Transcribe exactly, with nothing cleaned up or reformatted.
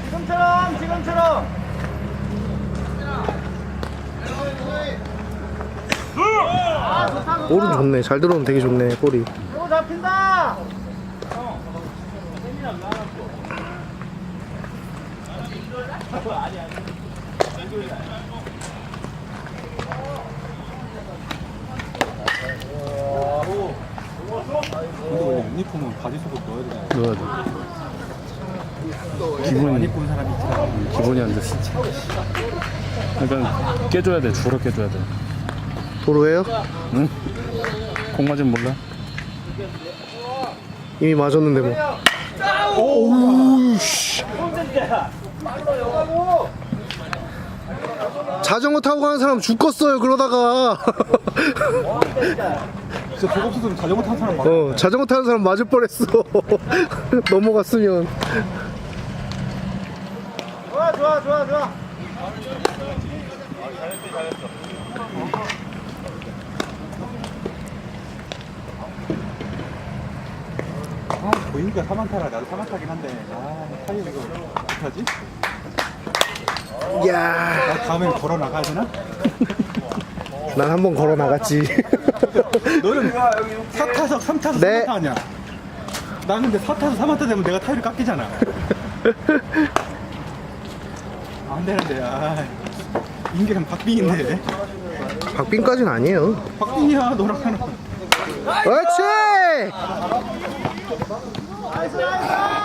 지금처럼 지금처럼. 아 좋다 좋다. 볼은 좋네. 잘 들어오면 되게 좋네. 볼이. 또 잡힌다. 근데 원래 유니폼은 바지 속옷 넣어야 되잖아. 넣어야 돼. 안 기분이 입고 온 사람이 있잖아. 기분이 안 돼. 진짜. 그러니까 깨줘야 돼. 주로 깨줘야 돼. 도로예요? 응. 공 맞으면 몰라. 이미 맞았는데 뭐. 오우 씨. 자전거 타고 가는 사람 죽겠어요. 그러다가. 진짜 저거 없었으면 자전거 타는 사람 많아. 어, 자전거 타는 사람 맞을 뻔했어. 넘어갔으면. 좋아 좋아 좋아 좋아. 아, 보이니까 사만 타라. 나도 사만 타긴 한데. 아, 타이어 이거 어떡하지? 야, 나 다음에 걸어 나가야 되나? 난 한 번 걸어 나갔지. 너는 사 타서 삼 타서 네. 삼 타 하냐? 나 근데 사 타서 삼 타 되면 내가 타이를 깎이잖아. 안 되는데. 아, 인계랑 박빙인데. 박빙까지는 아니에요. 박빙이야, 너랑 하나. 그렇지. 나이스 나이스.